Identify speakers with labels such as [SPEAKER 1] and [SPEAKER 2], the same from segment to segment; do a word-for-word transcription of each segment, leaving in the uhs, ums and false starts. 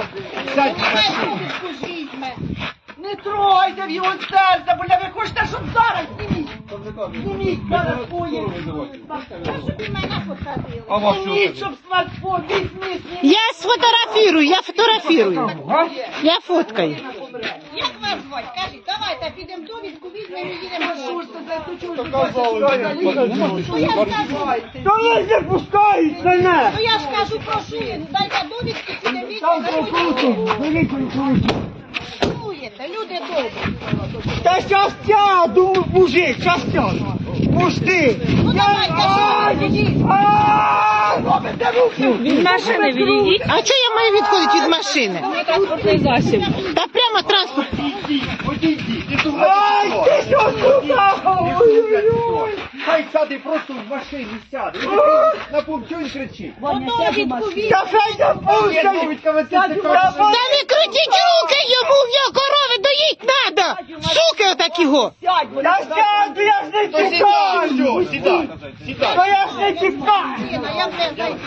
[SPEAKER 1] Сядь в машину.
[SPEAKER 2] Не трогайте в його серце, бо ви хочете, щоб зараз зніміть. Зніміть зараз своє. Зніміть, щоб смартфон, візьміть.
[SPEAKER 3] Я сфотографірую, я фотографірую. Я фоткаю.
[SPEAKER 4] Як вас звати? Кажіть, давайте підемо довідку, візьмемо і їдемо.
[SPEAKER 2] Що ж це за чужу?
[SPEAKER 1] Та ви не пускають мене!
[SPEAKER 4] Ну я ж кажу, прошу, дайте довідку, підемо
[SPEAKER 1] Там
[SPEAKER 4] візьмемо.
[SPEAKER 1] прокруту, беріть прокруту.
[SPEAKER 4] Чуєте, люди добрі.
[SPEAKER 1] Та щас сяду, мужик, щас сяду. Пусти!
[SPEAKER 4] Ну давайте,
[SPEAKER 1] Робите руки!
[SPEAKER 3] Від машини відійдіть. А чого я маю відходити від машини?
[SPEAKER 5] Транспортний засіб.
[SPEAKER 3] Та прямо транспорт.
[SPEAKER 1] Ай, ти що сюди? Ой-ой-ой!
[SPEAKER 6] Хай сяде просто в машині сяде. На пункт, чого він кричить?
[SPEAKER 4] довідку візьмемо.
[SPEAKER 1] Та хай не пускають!
[SPEAKER 3] Та не крутіть руки йому, в нього корови доїть надо. Суки отакі го.
[SPEAKER 1] Я сяду, я ж не тікаю!
[SPEAKER 6] Сідай, сідай.
[SPEAKER 1] Та я ж не тікаю!
[SPEAKER 4] Я вже зайду.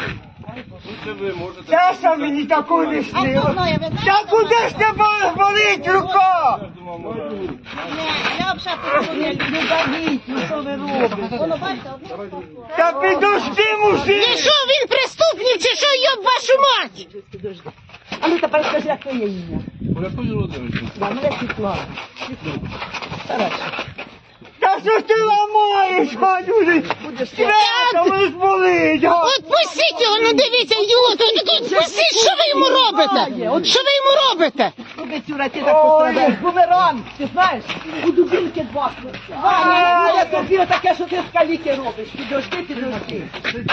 [SPEAKER 1] Часа мені такого не
[SPEAKER 4] А хто
[SPEAKER 1] снило.
[SPEAKER 4] знає, ви знаєте?
[SPEAKER 1] Та куди ж тебе болить рука?
[SPEAKER 4] Не, я взагалі не люблю.
[SPEAKER 2] Ну що ви робите?
[SPEAKER 4] Воно, бачите, одне слово.
[SPEAKER 1] Та підожди, мужик!
[SPEAKER 3] І що, він преступник чи що, йоб вашу мать?
[SPEAKER 2] А ну тепер скажи, як твоє ім'я?
[SPEAKER 6] Анатолій Володимирович.
[SPEAKER 2] Да, мене Світлана. Хорошо.
[SPEAKER 1] Та що ти ламаєш, гадюри? Свято ви болить, га?
[SPEAKER 3] Отпустіть його, ну дивіться, ідіот, отпустіть, що ви йому робите? Що ви йому робите?
[SPEAKER 2] Куди цюра ти так пострадаєш? Бумеранг, ти знаєш? У дубінки два. Ваня, буде тобі таке, що ти з каліки робиш. Підожди, підожди.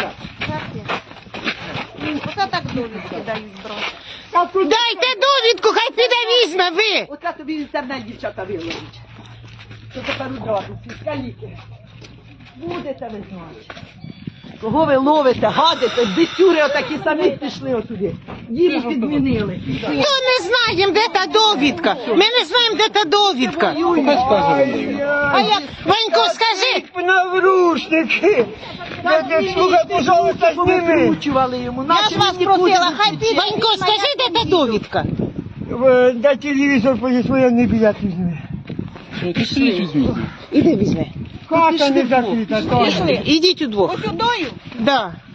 [SPEAKER 4] Оце так довідки дають, брат.
[SPEAKER 1] Та куди?
[SPEAKER 3] Дайте довідку, хай піде візьме, ви.
[SPEAKER 2] Оце тобі в інтернет дівчата виложить. Що тепер одразу, ці з каліки. Будете ви знати. Кого ви ловите, гадите, битюри отакі самі пішли отуди. Їм підмінили.
[SPEAKER 3] Ну не знаємо, де та довідка. Ми не знаємо, де та довідка. А я, Ванько, скажи.
[SPEAKER 1] Наврушники! Слухай, пожалуйста, зніми!
[SPEAKER 2] Викручували йому.
[SPEAKER 4] Я ж вас просила, хай піде.
[SPEAKER 3] Ванько, скажи, де та довідка.
[SPEAKER 1] Дай телевізор поїсти, я не білет візьми.
[SPEAKER 3] Іди візьми.
[SPEAKER 1] Хата не закрита, Тоня.
[SPEAKER 3] Ідіть удвох.
[SPEAKER 4] Ось удою.
[SPEAKER 3] Да.